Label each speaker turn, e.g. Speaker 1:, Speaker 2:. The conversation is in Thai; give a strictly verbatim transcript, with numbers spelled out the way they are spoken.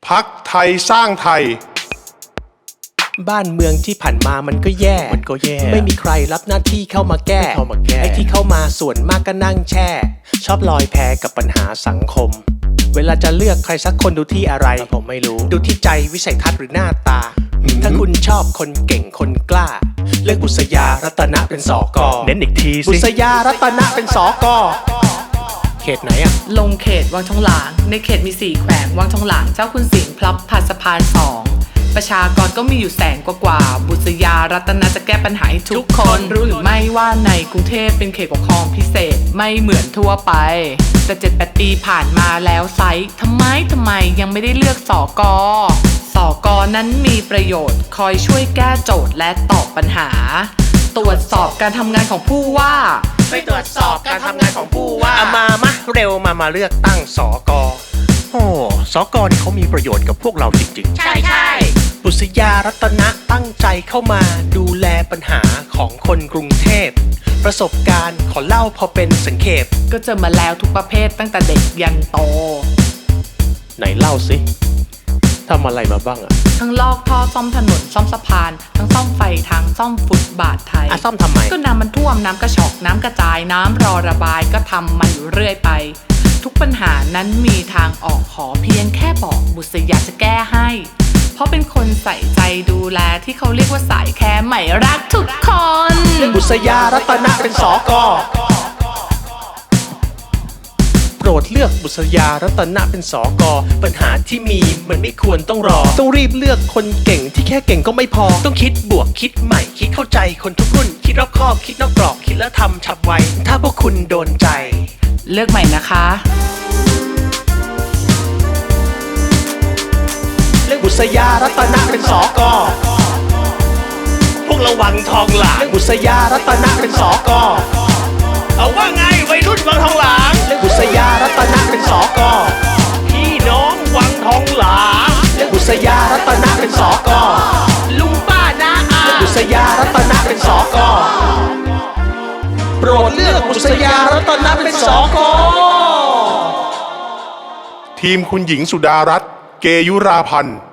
Speaker 1: พักไทยสร้างไทย
Speaker 2: บ้านเมืองที่ผ่านมามันก็แย่มันก็แย่ไม่มีใครรับหน้าที่เข้ามาแก้เข้ามาแก้ไอ้ที่เข้ามาส่วนมากก็นั่งแช่ชอบลอยแพกับปัญหาสังคมเวลาจะเลือกใครสักคนดูที่อะไรผมไม่รู้ดูที่ใจวิสัยทัศน์หรือหน้าตาถ้าคุณชอบคนเก่งคนกล้าเลือกบุษยารัตนะเป็นสกเน้นอีกทีสิบุษยารัตนะเป็นสกเขตไหนอะ
Speaker 3: ลงเขตวังทองหลางในเขตมีสี่แขวงวังทองหลางเจ้าคุณสิงห์พลับพันสะพานสองประชากรก็มีอยู่แสนกว่าๆบุษยารัตนะจะแก้ปัญหาให้ทุกคนรู้หรือไม่ว่าในกรุงเทพเป็นเขตปกครองพิเศษไม่เหมือนทั่วไปแต่เจ็ดแปดปีผ่านมาแล้วไซส์ทำไมทำไมยังไม่ได้เลือกสกสกนั้นมีประโยชน์คอยช่วยแก้โจทย์และตอบปัญหาตรวจสอบการทำงานของผู้ว่า
Speaker 2: ไปตรวจสอบการทำงานของผู้ว่าเอามามาเร็วมามาเลือกตั้งสกโอ้สกนี่เขามีประโยชน์กับพวกเราจริงๆ
Speaker 3: ใช่ใช่
Speaker 2: บุษยารัตนะตั้งใจเข้ามาดูแลปัญหาของคนกรุงเทพประสบการณ์ขอเล่าพอเป็นสังเขป
Speaker 3: ก็เจอมาแล้วทุกประเภทตั้งแต่เด็กยันโต
Speaker 2: ไหนเล่าสิทำอะไรมาบ้างอะ
Speaker 3: ทั้งลอกท่อซ่อมถนนซ่อมสะพานทั้งซ่อมไฟทางซ่อมฟุตบาทไทย
Speaker 2: อ่ะซ่อมทำไม
Speaker 3: ก็น้ำมันท่วมน้ำกระชอกน้ำกระจายน้ำรอระบายก็ทำมันอยู่เรื่อยไปทุกปัญหานั้นมีทางออกขอเพียงแค่บอกบุษยาจะแก้ให้เพราะเป็นคนใส่ใจดูแลที่เขาเรียกว่าสายแคร์ใหม่รักทุกคน
Speaker 2: บุษยารัตนะเป็นสกโปรดเลือกบุษยารัตนะเป็นสกปัญหาที่มีมันไม่ควรต้องรอต้องรีบเลือกคนเก่งที่แค่เก่งก็ไม่พอต้องคิดบวกคิดใหม่คิดเข้าใจคนทุกรุ่นคิดรอบคอบคิดนอกกรอบคิดแล้วทำฉับไวถ้าพวกคุณโดนใจ
Speaker 3: เลือกใหม่นะคะ
Speaker 2: เลือกบุษยารัตนะเป็นสกพวกระวังทองหลางเลือกบุษยารัตนะเป็นสกเอาว่าไงวัยรุ่นวังทองหลางเลือกบุษยารัตนะเป็นสกพี่น้องวังทองหลางเลือกบุษยารัตนะเป็นสกลุงป้าน้าอาเลือกบุษยารัตนะเป็นสกโปรดเลือกบุษยารัตนะเป็นสก
Speaker 1: ทีมคุณหญิงสุดารัตน์เกยุราพันธ์